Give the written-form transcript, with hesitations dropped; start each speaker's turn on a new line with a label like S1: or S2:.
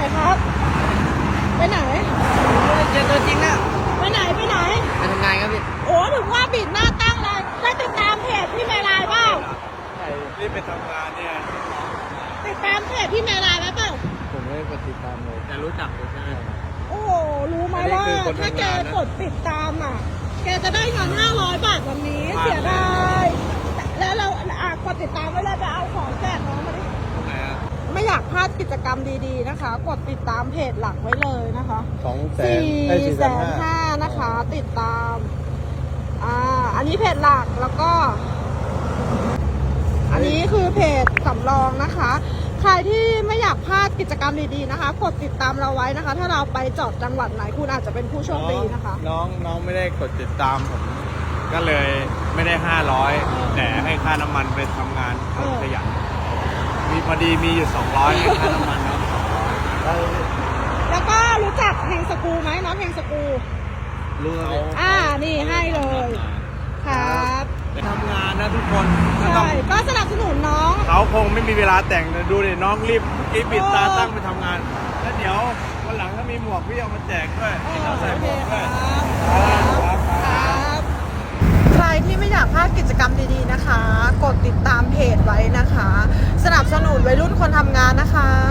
S1: ครับ ไปไหน
S2: เจอตัวจริงแล้ว
S1: ไปไหนไปไหน
S2: ไปทำงานครับพี่
S1: โอ้ถึงว่าบิดหน้าตั้งเลยได้ติดตามเพจพี่เมลายเปล่า
S3: ใช่รีบไปทำงานเนี่ย
S1: ติดตามเพจพี่เมลายไหมเปล่า
S3: ผมไม่ได้กดติดตามเลย
S2: แต่รู้จักอยู่ใช่ไหม
S1: โอ้โหรู้ไหม
S3: อันนี้
S1: ว่า
S3: คือคน
S1: ถ้า
S3: ทำ
S1: แก
S3: งานนะ
S1: กดติดตามอ่ะ แกจะได้เงิน500 บาทวันนี้เสียดายแล้วเรากดติดตามไว้เลยไปเอาของแจกน้องมาดิ
S2: ทำไมอ่ะ
S1: ไม่อยากพลาดกิจกรรมดีๆนะคะ กดติดตามเพจหลักไว้เลยนะคะ 4,500,000นะคะ ติดตามอันนี้เพจหลักแล้วก็ อันนี้คือเพจสำรองนะคะ ใครที่ไม่อยากพลาดกิจกรรมดีๆนะคะ กดติดตามเราไว้นะคะ ถ้าเราไปจอดจังหวัดไหนคุณอาจจะเป็นผู้โชคดีนะคะ
S3: น้องไม่ได้กดติดตามผมก็เลยไม่ได้500แต่ให้ค่าน้ำมันไปทำงานขยันมีพอดีมีอยู่200ให้ค่าน้ำมันเนาะ
S1: แล้วก็รู้จักเพลงสกูไหมน้องเพลงสกู
S2: รู้ครับพี่
S1: นี่ให้เลยครับ
S3: ไปทำงานนะทุกคนก็ต้อง
S1: ใช่ก็สนับสนุนน้อง
S3: เขาคงไม่มีเวลาแต่งนะดูดิน้องรีบปิดตาตั้งไปทำงาน แล้วเดี๋ยววันหลังถ้ามีหมวกพี่เอามาแจกด้วยให้เขาใส่หมวกด้วย
S1: ครับใครที่ไม่อยากพลาดกิจกรรมดีๆนะคะ กดติดตามเพจไว้นะคะ สนับสนุนวัยรุ่นคนทำงานนะคะ